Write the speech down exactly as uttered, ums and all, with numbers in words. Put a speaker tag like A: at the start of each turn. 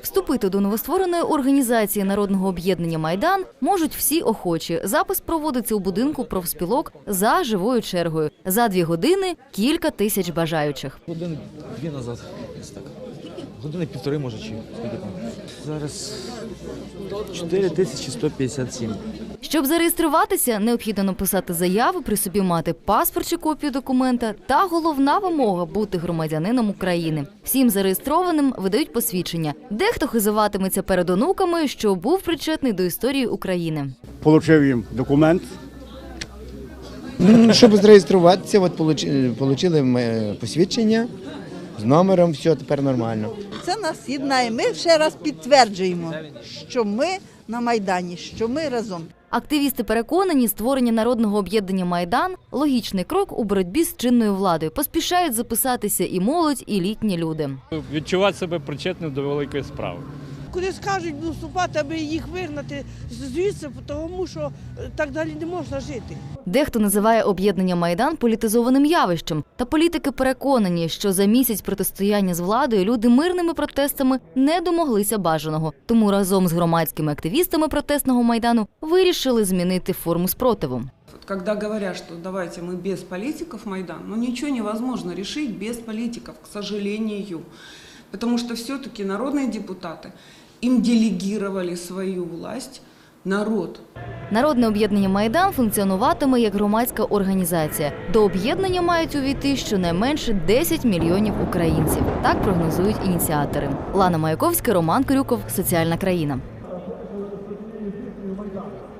A: Вступити до новоствореної організації Народного об'єднання «Майдан» можуть всі охочі. Запис проводиться у будинку профспілок за живою чергою. За дві години – кілька тисяч бажаючих.
B: Години дві назад. Так. Години півтори, може, чи скільки там. Зараз чотири тисячі сто п'ятдесят сім.
A: Щоб зареєструватися, необхідно написати заяву, при собі мати паспорт чи копію документа та головна вимога – бути громадянином України. Всім зареєстрованим видають посвідчення. Дехто хизуватиметься перед онуками, що був причетний до історії України.
C: Получив їм документ.
D: Щоб зареєструватися, от отримали посвідчення з номером, все, тепер нормально.
E: Це нас єднає. Ми ще раз підтверджуємо, що ми на Майдані, що ми разом.
A: Активісти переконані, створення Народного об'єднання «Майдан» – логічний крок у боротьбі з чинною владою. Поспішають записатися і молодь, і літні люди.
F: Відчувати себе причетним до великої справи.
G: Куди скажуть вступати, аби їх вигнати звідси, тому що так далі не можна жити.
A: Дехто називає об'єднання «Майдан» політизованим явищем. Та політики переконані, що за місяць протистояння з владою люди мирними протестами не домоглися бажаного. Тому разом з громадськими активістами протестного «Майдану» вирішили змінити форму спротиву.
H: Когда говорят, что давайте мы без политиков Майдан, но ничего невозможно решить без политиков, к сожалению. Потому что все-таки народные депутаты, им делегировали свою власть народ.
A: Народне об'єднання «Майдан» функціонуватиме як громадська організація. До об'єднання мають увійти щонайменше десять мільйонів українців. Так прогнозують ініціатори. Лана Маяковська, Роман Крюков, «Соціальна країна».